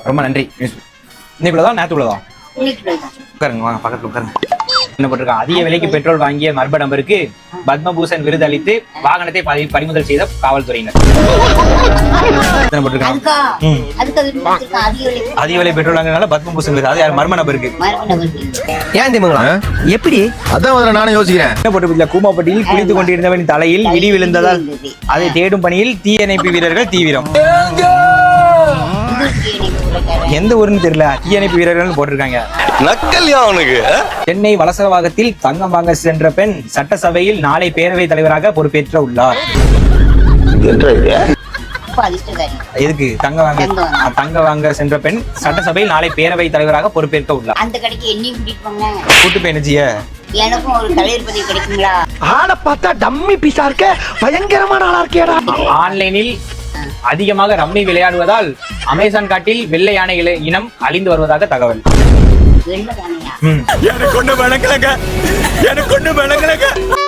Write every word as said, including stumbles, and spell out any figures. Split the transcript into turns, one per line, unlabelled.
ரொம்ப நன்றி. இன்னைக்குள்ளதான் நேத்துக்குள்ளதான் உட்காருங்க, வாங்க பக்கத்துல உட்காருங்க. என்ன போட்டிருக்காங்க? அதிக விலைக்கு பெட்ரோல் வாங்கிய மர்ம நபருக்கு பத்மபூஷன் விருது அளித்து வாகனத்தை பறிமுதல் செய்த காவல்துறையினர். அதிக விலை பெட்ரோல் வாங்கினால பத்மபூஷன் விருது. அது யார்? மர்ம நபருக்கு.
ஏன் தெரியுங்களா? எப்படி?
அதான் நானும் யோசிக்கிறேன்.
என்ன போட்டு கூமாப்பட்டியில் குளித்துக் கொண்டிருந்தவன் தலையில் இடி விழுந்ததால் அதை தேடும் பணியில் தீயணைப்பு வீரர்கள் தீவிரம். எந்த ஊருன்னு தெரியல, தீயணைப்பு வீரர்கள் போட்டிருக்காங்க.
நக்கல்யா அவனுக்கு.
சென்னை வலசரவாகத்தில் தங்கம் வாங்க சென்ற பெண் சட்டசபையில் நாளை பேரவைத் தலைவராக பொறுப்பேற்ற உள்ளார். எதுக்கு? தங்க வாங்க தங்க வாங்க சென்ற பெண் சட்டசபையில் நாளை பேரவைத் தலைவராக பொறுப்பேற்க உள்ளார்.
அந்த கடைக்கு என்னையும் கூட்டிட்டு போங்க.
கூட்டு பேனஜிய
எனக்கும் ஒரு தலைவர் பதவி கிடைக்குங்களா?
ஆள பார்த்தா டம்மி பீஸா இருக்க, பயங்கரமான ஆளா இருக்கேடா.
ஆன்லைனில் அதிகமாக ரம்மி விளையாடுவதால் அமேசான் காட்டில் வெள்ளை யானை இனம் அழிந்து வருவதாக தகவல்.
வெள்ளை யானையா?
எனக்கு ஒண்ணு விளங்கலங்க, எனக்கு ஒண்ணு விளங்கலங்க.